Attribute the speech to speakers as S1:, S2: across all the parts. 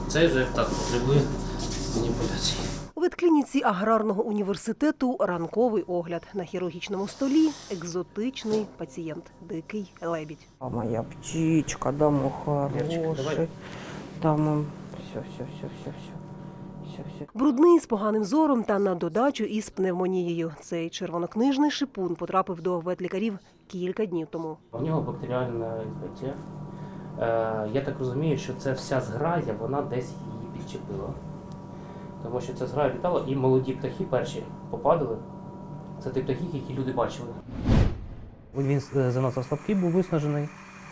S1: Цей же так потребує маніпуляції.
S2: У ветклініці аграрного університету ранковий огляд. На хірургічному столі екзотичний пацієнт – дикий лебідь.
S3: А моя птичка, да, мой хороший. Да, мам, все.
S2: Брудний, з поганим зором та на додачу із пневмонією. Цей червонокнижний шипун потрапив до ветлікарів кілька днів тому.
S1: У нього бактеріальна інфекція. Я так розумію, що це вся зграя, вона десь її підчепила. Тому що ця зграя літала і молоді птахи перші попадали. Це ті птахи, які люди бачили. Він занадто слабкий був, виснажений.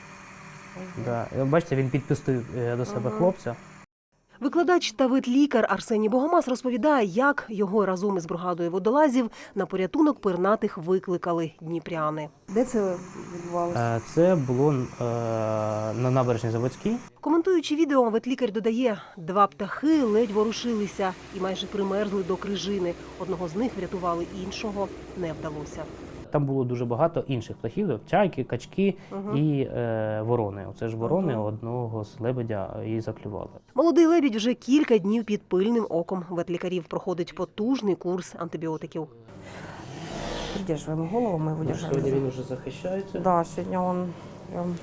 S1: Да. Бачите, він підпустив до себе хлопця.
S2: Викладач та ветлікар Арсеній Богомаз розповідає, як його разом із бригадою водолазів на порятунок пернатих викликали дніпряни.
S3: Де це відбувалося?
S1: Це було на набережній Заводській.
S2: Коментуючи відео, ветлікар додає, 2 птахи ледь ворушилися і майже примерзли до крижини. Одного з них врятували, іншого не вдалося.
S1: Там було дуже багато інших птахів, чайки, качки і ворони. Оце ж ворони одного з лебедя і заклювали.
S2: Молодий лебідь вже кілька днів під пильним оком ветлікарів. Проходить потужний курс антибіотиків.
S3: Придерживаем голову, мы его держали.
S1: Сьогодні він вже захищається.
S3: Да, сегодня он прям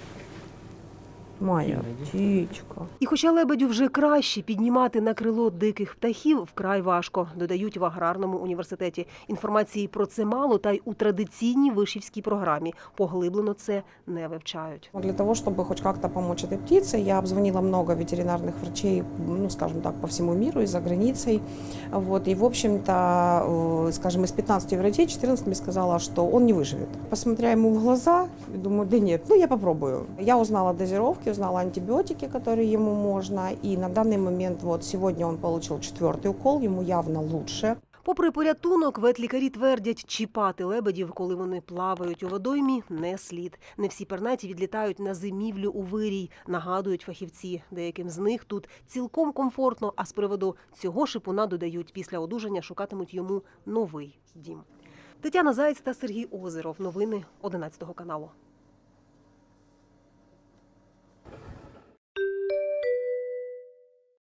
S3: моя птичка.
S2: І хоча лебедю вже краще, піднімати на крило диких птахів вкрай важко, додають в аграрному університеті. Інформації про це мало, та й у традиційній вишівській програмі поглиблено це не вивчають.
S4: Для того, чтобы хоть как-то помочь этой птице, я обзвонила много ветеринарных врачей, ну, скажем так, по всему миру и за границей. Вот. И, в общем-то, скажем, из 15 врачей 14 мне сказала, что он не выживет. Посмотря ему в глаза, думаю, да нет, ну я попробую. Я узнала дозировки, узнала антибиотики, которые ему можно. И на данный момент, вот сегодня он получил 4-й укол, ему явно лучше.
S2: Попри порятунок, ветлікарі твердять, чіпати лебедів, коли вони плавають у водоймі, не слід. Не всі пернаті відлітають на зимівлю у вирій, нагадують фахівці. Деяким з них тут цілком комфортно, а з приводу цього шипуна, додають, після одужання шукатимуть йому новий дім. Тетяна Заєць та Сергій Озеров. Новини 11 каналу.